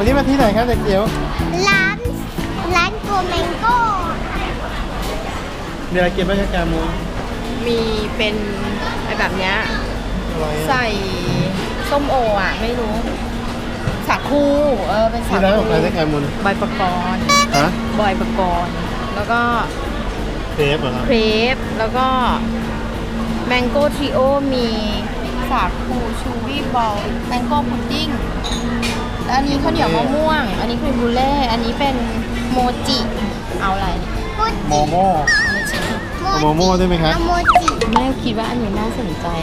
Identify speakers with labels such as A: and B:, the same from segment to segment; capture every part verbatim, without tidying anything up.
A: วันนี้มาที่ไหนครับเด็กเกียว
B: ร้านร้านโกแมงโก้
A: มีอะไรกินบ้างครับแกมู
C: มีเป็นไอแบบเนี้ย
A: อะไร
C: ใส่ส้มโออ่ะ ไม่รู้ สาคูเออเป็นสา
A: ที่ร้านข
C: คู
A: องใครได้แกมูล
C: บอยปกรณ์
A: ฮะ
C: บอยปกรณ์แล้วก็
A: เคฟเหรอครับ
C: เครปแล้วก็แมงโก้ทริโอมีสาคูชูวี่บอลแมงโก้พุดดิ้งแล้วอันนี้ข้าวเหนียวมะม่วง อันนี้ครีมบูเล่อันนี้เป็นโมจิเอาอะไร
A: โมโม่เอาโมโม่ได้ไหมครับ
B: เอาโมจิ
C: แม่คิดว่าอันนี้น่าสนใจ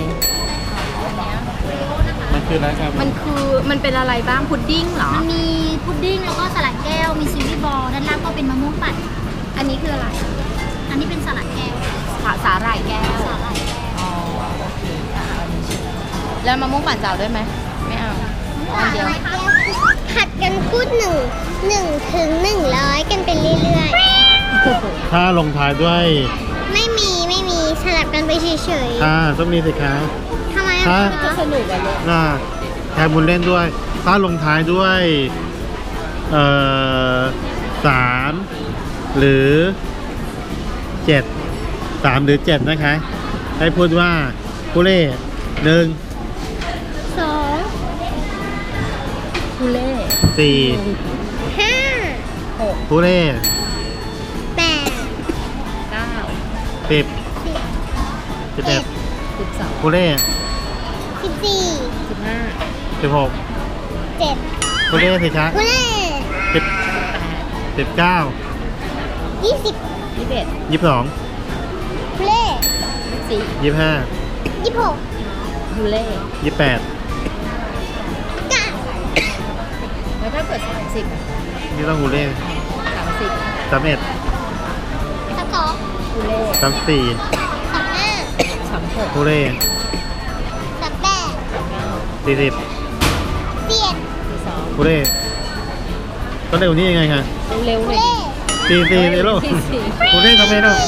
A: มันคืออะไรครับ
C: มันคือมันเป็นอะไรบ้างพุดดิ้งเหรอ
B: มันมีพุดดิ้งแล้วก็สลัดแก้วมีซีรีส์บอลด้านล่างก็เป็นมะม่วงปั่น
C: อันนี้คืออะไร
B: อันนี้เป็นสลัดแก้ว
C: สาสาหร่ายแก้ว
B: สาหร่ายแก้ว
C: อ๋อโอเคอ่ะเอาอันนี้ชิมแล้วมะม่วงปั่นเจ้าด้วยไหมไม่เอาอันเดียว
B: ผัดกันพูดหนึ่งหนึ่งถึงหนึ่งร้อยกันไปเรื่อย
A: ถ้าลงท้ายด้วย
B: ๆ ไม่มีไม่มีสลับกันไปเฉย
A: ถ้าต้องมีสิคะ
B: ๆทำไม
A: ฮะ
B: อะ
C: จะสนุกอะลูก
A: น่าแกมูลเล่นด้วย ถ้าลงท้ายด้วย เอ่อสามหรือเจ็ดสามหรือเจ็ดนะคะ ให้พูดว่าผู้เล่หนึ่ง
B: สอง
C: คูเล่
A: สี่
B: ห้า
C: หก
A: ผู้เล่
B: แปด
C: เก้า
A: สิบ
B: สิบ
A: สิบเอ็ด
C: สิบสอง
A: ผู้เล่
B: สิบสี่
C: สิบห้า
A: สิบหก
B: เจ็ด
A: ผู้เล่สิคะ
B: กูเล่
A: สิบ
C: แปด
A: สิบเก้า
B: ยี่สิบ
C: ยี่สิบเอ็ด
A: ยี่สิบสอง
B: กูเล่
C: ยี่สิบสี่
A: ยี่สิบห้า
B: ยี่สิบหก
C: คูเล่
A: ยี่สิบแปด
B: เก้า
C: แล้วถ้าเกิดสามสิบอะ
A: นี่ต้องผู้เล่
C: สามสิบ
A: สามเอ็ด
B: สามสอง
C: คูเล่
A: สามสี่
B: สามห้า
C: สามหก
A: ผู้เล่
B: สามแปด
A: สี่สิบ
B: สี่เอ็ด
C: สี่สอง
A: ผู้เล่ก็เร็วนี้ยังไงคะ
C: เร็วๆ
B: กู
C: หน่อย
B: เล่
A: สี่สี่เลยลูก
C: สี่สี่
A: ผู้เล่ทำไมลูก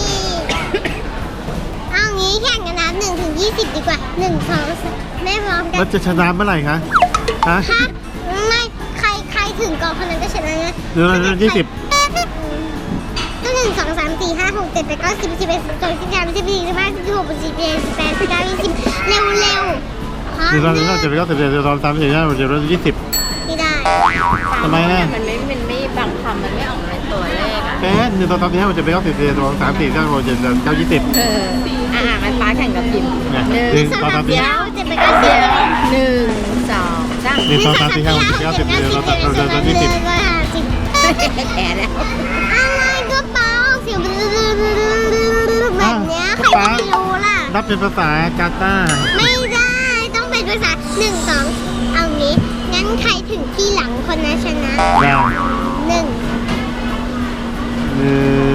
B: เอางี้แข่งกันนับหนึ่งถึงยี่สิบดีกว่าหนึ่งสองสามแม่พร้อมกั
A: มัน
B: น
A: จะชนะเมื่อไหร่คะฮะ
B: ฮะไม่ใครใครถึงก่อนคนนั้นก็ชนะนะ
A: เดือนยี่สิบ
B: ก็หนึ่งสองสามสี่ห้าหกเจ็ดแปดเก้าสิบสิบเอ็ดสิบสองสิบสามสิบสี่สิบห้าสิบหกสิบเจ็ดสิบแปดสิบเก้ายี่สิบเร็วเร็วฮะ
A: เดือนละเดือนละเจ็ดเดือนละเจ็ดเดือนละสามสิบเดือนละเจ็ดเดือนละยี่สิบ
B: ไม่ได้
A: ทำไมอะ
C: มันไม่มันไม่บางคำมันไม่ออกมาเป็นตัวเลขอ่ะ
A: เอ๊ะหนึ่งสองสามสี่ห้าหกเจ็ดแปดเก้าสิบเดือนละสามสี่เก้าหกเจ็ดเดือนเก้ายี่สิบ
C: เอออ่ะอ่ะมันป้าแข่งกับพิมพ์
A: เนี่ย
C: หนึ่ง
A: หนึ่ง
B: สอง
A: สอง
B: สา
A: สาม มสี่
B: สี่ห้าหกเจ็ดแปดเก้าสิบ
C: เดียวหนึ่งสองสาม
A: หนึ่งสองสามสี่ห้าหกเจ็ดแปดเก้าสิบเดือนละสามเดือนละยี่สิบ
C: แพ้แล้ว
B: อะไรก็เปล่าเสียงแบบเนี้ยใครจะไปรู้ล่ะ
A: นับเป็นภาษากาตาร์
B: ไม่ได้ต้องเป็นภาษาหนึ่งสองเอางี้งั้นใครถึงที่หลังคนนั้นชนะ
A: ได้
B: หนึ่ง
A: หนึ่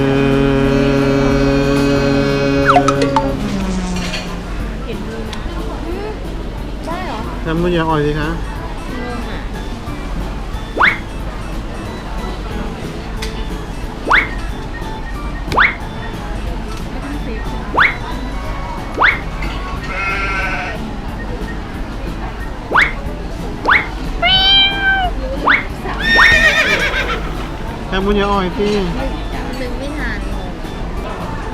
A: ง
C: ได้เหรอ
A: ทำมืออย่าอ่อยสิคะ
C: งงอ่ะ
A: ทำมืออย่าอ่อยสิ
C: นึกไม่ทันงง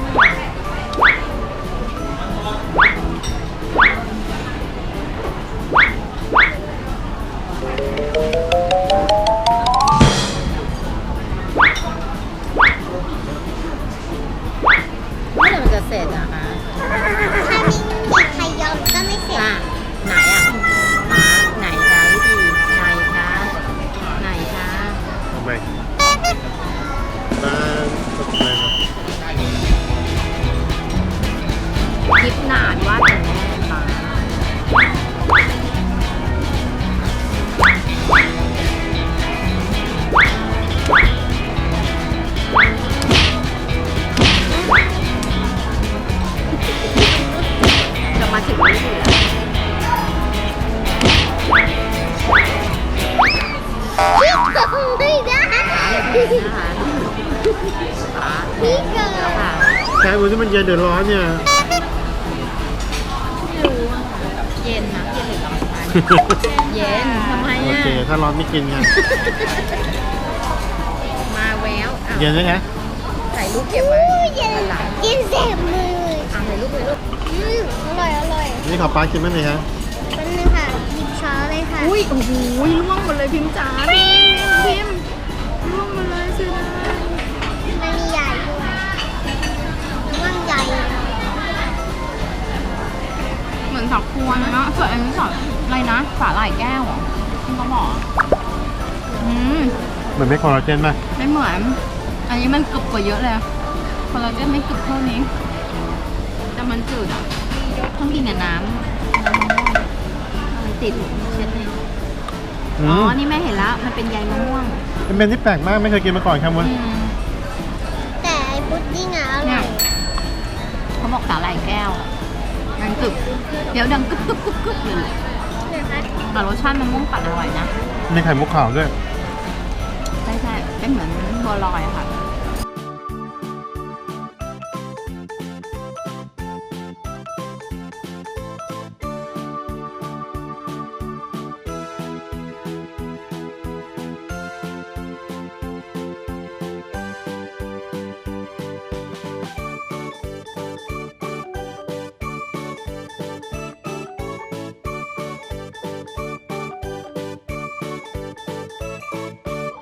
C: เมื่อไหร่มันจะเสร็จอะคะ
B: ถ้ามีมีใครยอมก็ไม่เสร็จ
C: อ่ะไหนอ่ะหาไหนคะวิธีไหนคะไหนคะ
A: ทำไมบ้านตกเลยนะ
C: คิดนานว่าจะแน่มาจะมาถึงนี่อยู่แล้ว
B: พี่เกิดไม่ได้
C: นะคะ
B: พี่เกิด
C: แล้วค่ะ
A: แค่มือที่มันเย็นเดือดร้อนเนี่ย
C: ไม่รู้อะค่ะเย็นนะเย็นหรือร้อนคะเย็นทำไม
A: โอเค ถ้าร้อนไม่กินไง
C: มาแววอ่ะ
A: เย็นไหมคะ
C: ถ่ายรูปเก็บไว้
B: อู้เย็น
C: หลัง
B: เย็นแสบมือ
C: อ่ะถ่ายรูปเลยลูก
B: อืมอร่อยอร่อย
A: นี่ขอป้ากินไหมเนี่ยคะ
B: แป๊บนึงค่ะหยิบช้อนเลยค่ะ
C: อุ้ยโอ้โหล่วงหมดเลยพิมพ์จ๋าพิมพ์พิมพ์ล่วงหมดเลยเสียดาย
B: มันมีใหญ่ด้วยว่างใหญ่
C: เหมือนสักพวงเลยเนาะส่วนอันนี้สอนอะไรนะสาหร่ายแก้วเหรอที่เขาบอกอืม
A: เหมือนไม่คอลลาเจนป่ะ
C: ไม่เหมือน อันนี้มันกรึบกว่าเยอะเลยคอลลาเจนไม่กรึบเท่านี้แต่มันจืดอ่ะต้องกินกับน้ำมันติดเช็ดเลย
A: อื
C: อ๋อ
A: ม
C: นี่แม่เห็นแล้ว มันเป็นใยมะม่วง
A: เป็นเมนที่แปลกมากไม่เคยกินมาก่อนครับมุน
C: อืม
B: แต่ไอ้พุดดิ้งอ่ะอ
C: เนี่
B: ร่อย ย
C: เขาบอกสาหร่ายแก้วอะมันกรึบ เดี๋ยวดังกรึบกรึบกรึบกรึบเลย
B: นะคะ
C: แต่รสชาติมะม่วงปั่นอร่อยนะ
A: มีไข่มุกขาวด้วย
C: ใช่ใช่เป็นเหมือนบัวลอยอะค่ะ